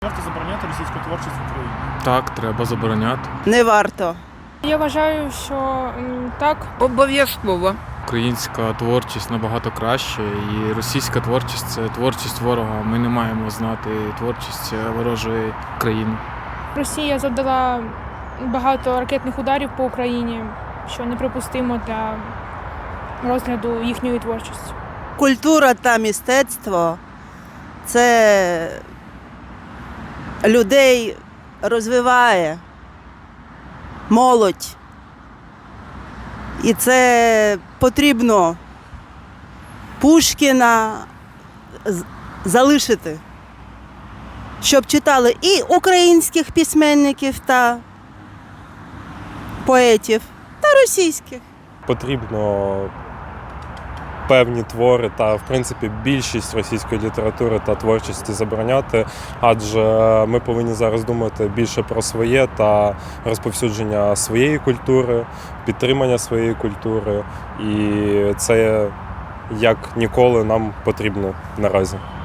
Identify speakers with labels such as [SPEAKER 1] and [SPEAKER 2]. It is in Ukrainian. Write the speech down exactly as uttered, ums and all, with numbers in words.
[SPEAKER 1] варто забороняти російську творчість в Україні?
[SPEAKER 2] Так, треба забороняти.
[SPEAKER 3] Не варто.
[SPEAKER 4] Я вважаю, що м, так.
[SPEAKER 5] Обов'язково.
[SPEAKER 2] Українська творчість набагато краще, і російська творчість це творчість ворога. Ми не маємо знати творчість ворожої країни.
[SPEAKER 4] Росія завдала багато ракетних ударів по Україні, що неприпустимо для розгляду їхньої творчості.
[SPEAKER 3] Культура та мистецтво – це людей розвиває, молодь. І це потрібно Пушкіна залишити, щоб читали і українських письменників та поетів, та російських.
[SPEAKER 6] Потрібно певні твори та, в принципі, більшість російської літератури та творчості забороняти, адже ми повинні зараз думати більше про своє та розповсюдження своєї культури, підтримання своєї культури, і це як ніколи нам потрібно наразі.